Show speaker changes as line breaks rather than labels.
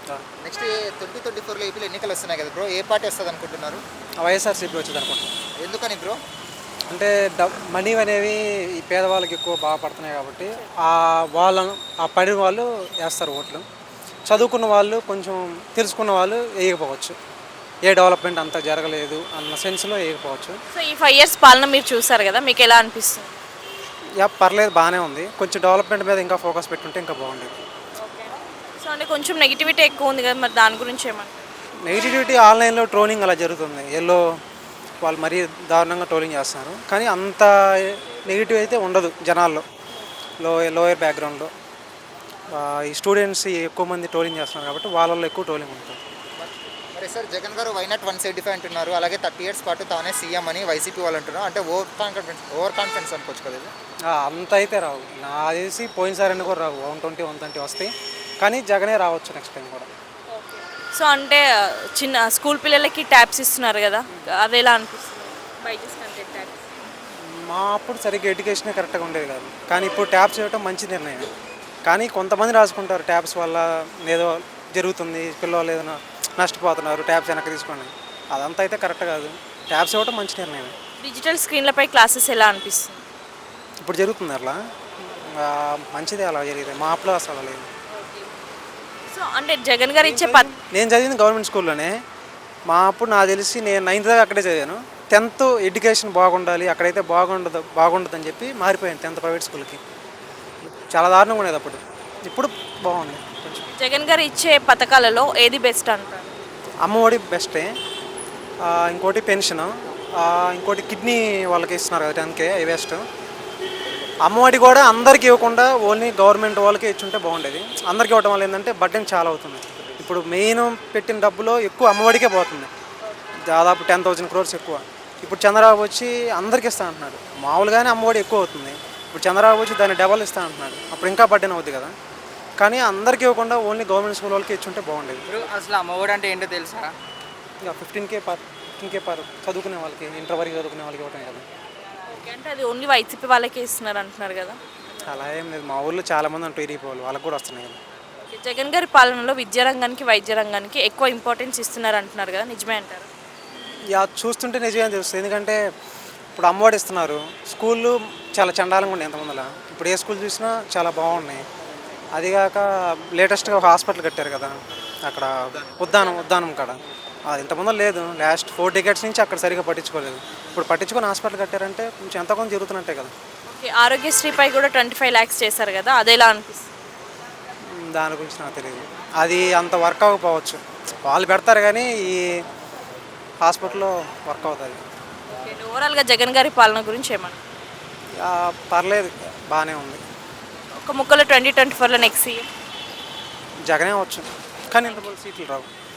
Next 2024లో ఏపీలో ఎన్నికలు వస్తున్నాయి కదా బ్రో, ఏ పార్టీ వస్తుంది అనుకుంటున్నారు?
వైఎస్ఆర్సీపీ వచ్చింది అనుకుంటున్నాను.
ఎందుకని బ్రో?
అంటే మనీ అనేవి ఈ పేదవాళ్ళకి ఎక్కువ బాగా పడుతున్నాయి కాబట్టి వాళ్ళను ఆ పడిన వాళ్ళు వేస్తారు ఓట్లు. చదువుకున్న వాళ్ళు కొంచెం తెలుసుకున్న వాళ్ళు వేయకపోవచ్చు. ఏ డెవలప్మెంట్ అంతా జరగలేదు అన్న సెన్స్లో వేయకపోవచ్చు.
సో ఈ 5 ఇయర్స్ పాలన మీరు చూసారు కదా, మీకు ఎలా అనిపిస్తుంది?
పర్లేదు, బాగానే ఉంది. కొంచెం డెవలప్మెంట్ మీద ఇంకా ఫోకస్ పెట్టుంటే ఇంకా బాగుండేది.
సో అంటే కొంచెం నెగిటివిటీ ఎక్కువ ఉంది కదా, మరి దాని గురించి ఏమంటారు?
నెగిటివిటీ ఆన్లైన్లో ట్రోలింగ్ అలా జరుగుతుంది. వాళ్ళు మరీ దారుణంగా ట్రోలింగ్ చేస్తున్నారు. కానీ అంత నెగిటివ్ అయితే ఉండదు జనాల్లో. లోయర్ బ్యాక్గ్రౌండ్లో ఈ స్టూడెంట్స్ ఎక్కువ మంది ట్రోలింగ్ చేస్తున్నారు కాబట్టి వాళ్ళల్లో ఎక్కువ ట్రోలింగ్ ఉంటుంది.
మరి సార్ జగన్ గారు వైనాట్ 175 అంటున్నారు, అలాగే 30 ఇయర్స్ పాటు తానే సీఎం అని వైసీపీ వాళ్ళు అంటున్నారు. అంటే ఓవర్ కాన్ఫిడెన్స్ అనుకోవచ్చు కదా ఇది?
అంత అయితే రావు. నా తెలిసి పోయినసారి కూడా రావు. 120, 130 వస్తాయి. కానీ జగనే రావచ్చు నెక్స్ట్ టైం కూడా.
సో అంటే చిన్న స్కూల్ పిల్లలకి ట్యాబ్స్ ఇస్తున్నారు కదా, అది ఎలా అనిపిస్తుంది? బైజూస్ కంటే ట్యాబ్స్
మా అప్పుడు సరిగ్గా ఎడ్యుకేషనే కరెక్ట్గా ఉండేది కాదు. కానీ ఇప్పుడు ట్యాబ్స్ ఇవ్వటం మంచి నిర్ణయం. కానీ కొంతమంది రాసుకుంటారు ట్యాబ్స్ వల్ల ఏదో జరుగుతుంది, పిల్లలు ఏదైనా నష్టపోతున్నారు, ట్యాబ్స్ వెనక్కి తీసుకోండి. అదంతా అయితే కరెక్ట్ కాదు. ట్యాబ్స్ ఇవ్వటం మంచి నిర్ణయం.
డిజిటల్ స్క్రీన్లపై క్లాసెస్ ఎలా అనిపిస్తుంది?
ఇప్పుడు జరుగుతుంది అట్లా, మంచిదే అలా జరిగితే. మా అప్పుడు అసలు లేదు.
సో అంటే జగన్ గారు ఇచ్చే
నేను చదివింది గవర్నమెంట్ స్కూల్లోనే. మా అప్పుడు నాకు తెలిసి నేను 9th దాకా అక్కడే చదివాను. 10th ఎడ్యుకేషన్ బాగుండాలి, అక్కడైతే బాగుండదని చెప్పి మారిపోయాను 10th ప్రైవేట్ స్కూల్కి. చాలా దారుణంగా ఉండేది అప్పుడు. ఇప్పుడు బాగుంది కొంచెం.
జగన్ గారు ఇచ్చే పథకాలలో ఏది బెస్ట్ అంటారు?
అమ్మఒడి బెస్టే, ఇంకోటి పెన్షన్, ఇంకోటి కిడ్నీ వాళ్ళకి ఇస్తున్నారు కదా 10K, అవి బెస్ట్. అమ్మఒడి కూడా అందరికీ ఇవ్వకుండా ఓన్లీ గవర్నమెంట్ వాళ్ళకి ఇచ్చుంటే బాగుండేది. అందరికీ ఇవ్వడం వల్ల ఏంటంటే బడ్డెన్ చాలా అవుతుంది. ఇప్పుడు మెయిన్ పెట్టిన డబ్బులో ఎక్కువ అమ్మఒడికే పోతుంది, దాదాపు 10,000 crores ఎక్కువ. ఇప్పుడు చంద్రబాబు వచ్చి అందరికీ ఇస్తా అంటున్నాడు. మామూలుగానే అమ్మఒడి ఎక్కువ అవుతుంది, ఇప్పుడు చంద్రబాబు వచ్చి దాన్ని డబల్ ఇస్తా అంటున్నాడు. అప్పుడు ఇంకా బడ్డెన్ అవుతుంది కదా. కానీ అందరికీ ఇవ్వకుండా ఓన్లీ గవర్నమెంట్ స్కూల్ వాళ్ళకి ఇచ్చుంటే బాగుండేది.
అసలు అమ్మఒడి అంటే ఏంటో తెలుసా?
ఇక 15K పర్ చదువుకునే వాళ్ళకి, ఇంటర్ వరకు చదువుకునే వాళ్ళకి ఇవ్వటం కదా.
అంటే అది ఓన్లీ వైసీపీ వాళ్ళకే ఇస్తున్నారు అంటున్నారు కదా.
అలా ఏం లేదు, మా ఊళ్ళో చాలామంది ఉంటారు టీడీపీ వాళ్ళు, వాళ్ళకి కూడా వస్తున్నాయి కదా.
జగన్ గారి పాలనలో విద్యారంగానికి వైద్య రంగానికి ఎక్కువ ఇంపార్టెన్స్ ఇస్తున్నారు అంటున్నారు కదా, నిజమే అంటారు?
చూస్తుంటే నిజమే తెలుస్తుంది. ఎందుకంటే ఇప్పుడు అమ్మఒడి ఇస్తున్నారు, స్కూళ్ళు చాలా చండాలంగా ఉన్నాయి ఎంతమందిలా. ఇప్పుడు ఏ స్కూల్ చూసినా చాలా బాగున్నాయి. అదిగాక లేటెస్ట్గా ఒక హాస్పిటల్ కట్టారు కదా అక్కడ, ఉద్దానం కాడ. అది ఇంతమంది లేదు. లాస్ట్ 4 decades నుంచి అక్కడ సరిగా పట్టించుకోలేదు. ఇప్పుడు పట్టించుకొని హాస్పిటల్ కట్టారంటే కొంచెం ఎంత కొంత జరుగుతున్నట్టే కదా.
ఓకే, ఆరోగ్యశ్రీపై కూడా 25 lakhs చేశారు కదా, అది ఎలా అనిపిస్తుంది?
దాని గురించి నాకు తెలియదు. అది అంత వర్క్ అవ్వకపోవచ్చు, వాళ్ళు పెడతారు కానీ ఈ హాస్పిటల్లో వర్క్ అవుతుంది.
ఓవరాల్గా జగన్ గారి పాలన గురించి ఏమన్నా?
పర్లేదు, బాగానే ఉంది.
ఒక ముక్కలో 2024లో నెక్స్ట్ సీఎం
జగనే వచ్చు, కానీ ఇంత సీట్లు రావు.